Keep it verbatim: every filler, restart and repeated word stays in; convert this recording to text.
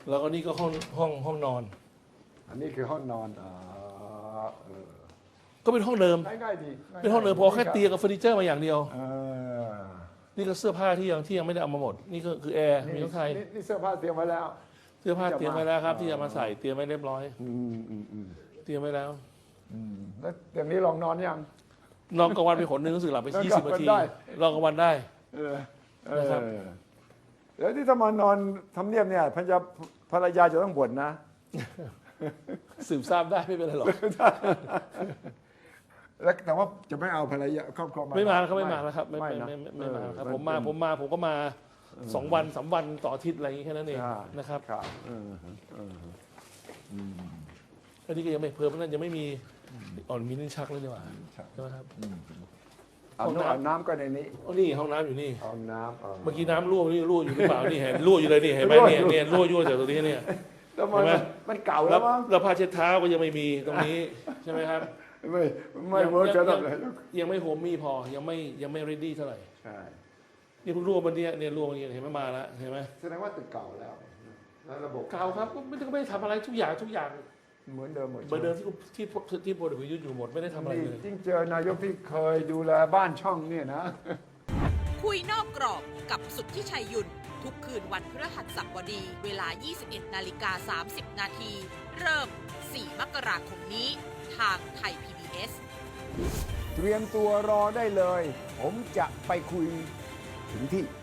แล้วก็นี่ก็ห้องห้องห้องนอนอันนี้คือห้องนอนอ่าเออก็เป็นห้องเดิมง่ายๆดีเป็นห้องเดิมพอแค่เตียงกับเฟอร์นิเจอร์มาอย่างเดียวเออนี่ก็เสื้อผ้าที่ยังที่ยังไม่ได้เอามาหมด นี่ก็คือแอร์มีนี่ของไทยนี่นี่เสื้อผ้าเตรียมไว้แล้วเสื้อผ้าเตรียมไว้แล้วครับอ๋อที่จะมาใส่เตรียมไว้เรียบร้อยอืมอืมอืมเตรียมไว้แล้วอืมแล้วอย่างนี้ลองนอนยังนอนกลางวันไปขนหนึ่งรู้สึกหลับไปนอนยี่กลาสิงบวันนาทีได้รอกลางวันได้เออเอนะครับอแล้วที่ถ้ามานอนทำเนียบเนี่ยภรรยาภรรยาจะต้องบ่นนะสืบทราบได้ไม่เป็นไรหรอกแล้วแต่ว่าจะไม่เอาภรรยาครอบครัวมาไม่มาแล้วครับไม่มาแล้วครับไม่ไม่ไม่นะไม่ไม่ไม่มาครับเออผมมาผมมาผมก็มาสองวันสามวันต่ออาทิตย์อะไรอย่างนี้แค่นั้นเองใช่นะครับครับเออเอออืมอันนี้ก็ยังไม่เพิ่มนั่นยังไม่มีอ่อนมีลิ้นชักเลยดีกว่าใช่ใช่ไหมครับเอาห้องน้ำน้ำเอาน้ำก็ในนี้อ๋อนี่ห้องน้ำอยู่นี่เอาน้ำเอาเมื่อกี้น้ำรั่วนี่รั่วอยู่หรือเปล่านี่เห็นรั่วอยู่เลยนี่เห็นไหมรั่วเนี่ยอยู่เนี่ยรั่วยั่วจากตรงนี้เนี่ยแล้วมันเห็นไหมมันเก่าแล้แล้ว วมั้งแล้วผ้าเช็ดเท้าก็ยังไม่มีตรงนี้ใช่ไหมครับไม่ไม่ยังเวิร์กยัจะงต้องเลยยังไม่โฮมมี่พอยังไม่ยังไม่ ready เท่าไหร่ใช่นี่เพิ่งรั่ววันเนี้ยเนี่ยรั่ววันนี้เห็นไหมมาแล้วเห็นไหมแสดงว่าตึกเก่าแล้วแล้วระบบเก่าครับก็ไม่ได้ก็ไม่ได้ทำอะไรทุกอย่างทุกอย่างเหมือนเดิมหมดเหมือนเดิมที่ที่ที่ที่พลเอกประยุทธ์อยู่หมดไม่ได้ทำอะไรนี่เลยยิ่งเจอนายกที่เคยดูแลบ้านช่องเนี่ยนะคุยนอกกรอบกับสุทธิชัยยุนทุกคืนวันพฤหัสบดี เวลา ยี่สิบเอ็ดนาฬิกาสามสิบนาที เริ่ม สี่ มกราคมนี้ ทางไทย พี บี เอสเตรียมตัวรอได้เลย ผมจะไปคุยถึงที่